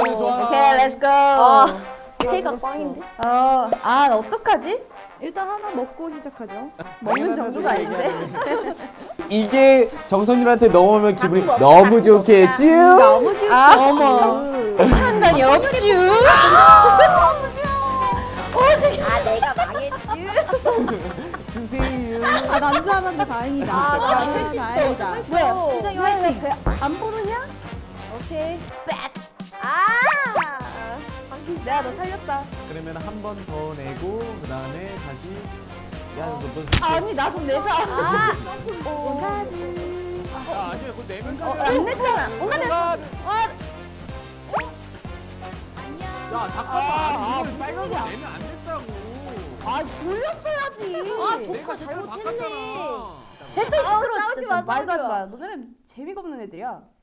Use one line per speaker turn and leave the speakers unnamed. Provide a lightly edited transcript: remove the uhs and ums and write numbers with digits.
좋아.
오케이, 렛츠고.
K가 꽝인데?
아, 어떡하지?
일단 하나 먹고 시작하죠.
먹는 정도가 아닌데.
이게 정선율한테 넘어오면 기분이 너무 좋겠지?
너무 귀엽다. 어머. 상관이 없쥬.
아 내가 망했지.
드세요.
아, 난 줄 알았는데 다행이다. 다행이다.
뭐야?
수정이 화이팅.
안 보느냐?
오케이. 아.
내가 너 살렸다.
그러면 한 번 더 내고 그 다음에 다시 야, 너
아니, 나 좀 내자.
아.
야, 아니야, 그거 내면서
안 냈잖아.
야, 잠깐만. 이걸 빨간 거 내면 안 된다고.
아, 돌렸어야지.
아
내가
독화
색깔
잘못했네.
바꿨잖아.
됐어, 시끄러워.
싸우지
진짜.
마,
말도 하지
싸우지 마.
마. 너네는 재미가 없는 애들이야.